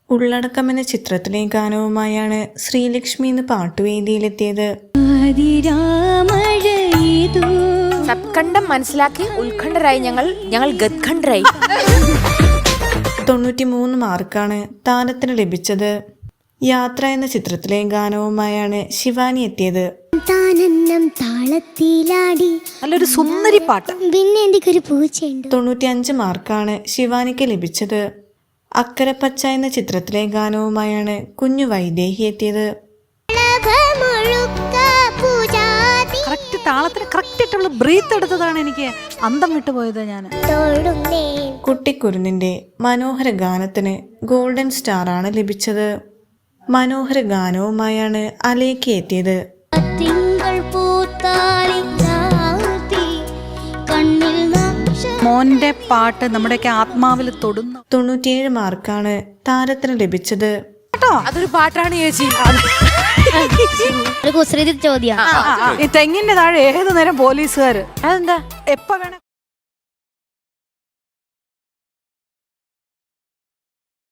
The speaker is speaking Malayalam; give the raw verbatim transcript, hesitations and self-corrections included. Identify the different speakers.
Speaker 1: ഉള്ളടക്കം എന്ന ചിത്രത്തിലെ ഗാനവുമായാണ് ശ്രീലക്ഷ്മി ഇന്ന് പാട്ടുവേദിയിലെത്തിയത്.
Speaker 2: സബ്കണ്ഠം മനസ്സിലാക്കി ഉത്കണ്ഠരായി ഞങ്ങൾ ഞങ്ങൾ ഗദ്ഖണ്ഡരായി.
Speaker 1: തൊണ്ണൂറ്റി മൂന്ന് മാർക്കാണ് താരത്തിന് ലഭിച്ചത്. യാത്ര എന്ന ചിത്രത്തിലെ ഗാനവുമായാണ് ശിവാനി എത്തിയത്.
Speaker 3: നല്ലൊരു സുന്ദരി പാട്ട്.
Speaker 1: തൊണ്ണൂറ്റി അഞ്ച് മാർക്കാണ് ശിവാനിക്ക് ലഭിച്ചത്. അക്കരപ്പച്ച എന്ന ചിത്രത്തിലെ ഗാനവുമായാണ് കുഞ്ഞു വൈദേഹി എത്തിയത്.
Speaker 3: കറക്റ്റ് താളത്തിന് കറക്റ്റ് ആയിട്ടുള്ള ബ്രീത്ത് എടുത്തതാണ് എനിക്ക് അന്തം വിട്ടുപോയത്. ഞാൻ
Speaker 1: കുട്ടിക്കുരുന്നിന്റെ മനോഹര ഗാനത്തിന് ഗോൾഡൻ സ്റ്റാർ ആണ് ലഭിച്ചത്. മനോഹര ഗാനവുമായാണ് അലേഖ എത്തിയത്.
Speaker 3: മോന്റെ പാട്ട് നമ്മുടെയൊക്കെ ആത്മാവിൽ തൊടുന്നു.
Speaker 1: തൊണ്ണൂറ്റിയേഴ് മാർക്കാണ് താരത്തിന് ലഭിച്ചത്.
Speaker 2: അതൊരു പാട്ടാണ് ചേച്ചി.
Speaker 3: ഈ തെങ്ങിന്റെ താഴെ ഏത് നേരം പോലീസുകാര്. അതെന്താ? എപ്പ വേണം